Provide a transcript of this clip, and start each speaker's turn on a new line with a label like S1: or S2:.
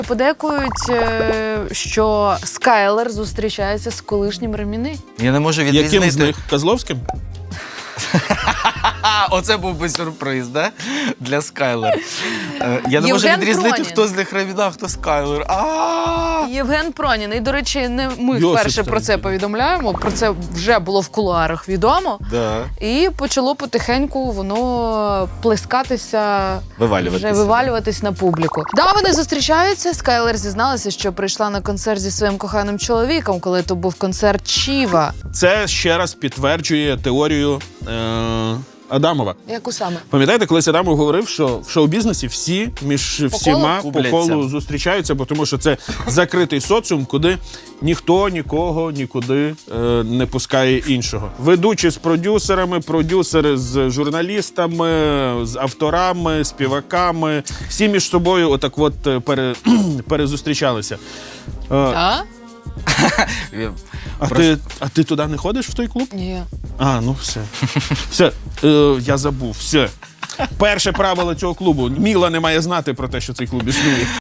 S1: Подекують, що Скайлер зустрічається з колишнім Реміни.
S2: Я не можу відрізнити.
S3: Яким з них? Козловським?
S2: Оце був би сюрприз, да? Для Скайлер. Я не можу
S1: Євген
S2: відрізнити,
S1: Пронін.
S2: хто з них Реміна, хто Скайлер.
S1: Євген Пронін. І, до речі, не ми
S3: Йосип
S1: вперше про це повідомляємо. Про це вже було в кулуарах відомо.
S2: Да.
S1: І почало потихеньку воно плескатися, вже вивалюватись на публіку. Да, вони зустрічаються. Скайлер зізналася, що прийшла на концерт зі своїм коханим чоловіком, коли то був концерт Чіва.
S3: Це ще раз підтверджує теорію Адамова.
S1: Яку саме?
S3: Пам'ятаєте, колись Адамов говорив, що в шоу-бізнесі всі між всіма по колу зустрічаються, бо тому що це закритий соціум, куди ніхто нікого нікуди не пускає іншого. Ведучі з продюсерами, продюсери з журналістами, з авторами, співаками. Всі між собою отак от перезустрічалися. А ти туди не ходиш, в той клуб?
S1: Ні.
S3: А, ну все. Все, я забув, все. Перше правило цього клубу. Міла не має знати про те, що цей клуб існує.